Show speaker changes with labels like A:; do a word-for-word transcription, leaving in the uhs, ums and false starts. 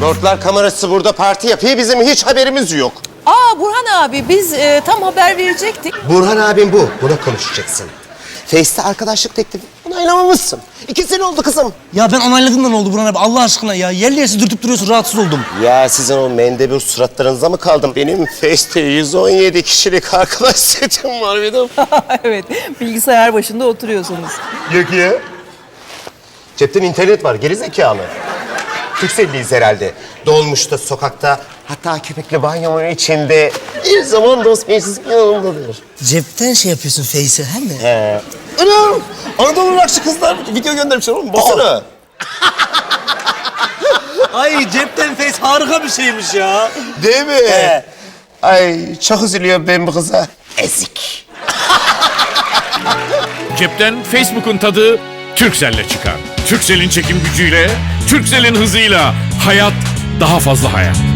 A: Lordlar kamerası burada parti yapıyor, bizim hiç haberimiz yok.
B: Aa Burhan abi biz e, tam haber verecektik.
A: Burhan abim bu, buna konuşacaksın. Face'te arkadaşlık teklifi onaylamamışsın. İki sene oldu kızım.
C: Ya ben onayladığımdan oldu Burhan abi Allah aşkına ya. Yerli yersiz dürtüp duruyorsun rahatsız oldum.
A: Ya sizin o mendebur suratlarınıza mı kaldım? Benim Face'te yüz on yedi kişilik arkadaş setim var bir de.
B: Evet bilgisayar başında oturuyorsunuz.
A: Yok ya. Cepten internet var, geri zekalı. Türkcelliyiz herhalde. Dolmuşta, sokakta, hatta köpekli banyomun içinde bir zaman dost meclis yanımdadır.
C: Cepten şey yapıyorsun Face'e he mi?
A: He. Anam! Anadolu Rakşı kızlar video göndermişler oğlum, baksana.
C: Ay cepten Face harika bir şeymiş ya.
A: Değil mi? He. Ay çok üzülüyorum ben bu kıza. Ezik.
D: Cepten Facebook'un tadı Turkcell'le çıkar. Turkcell'in çekim gücüyle, Turkcell'in hızıyla hayat daha fazla hayat.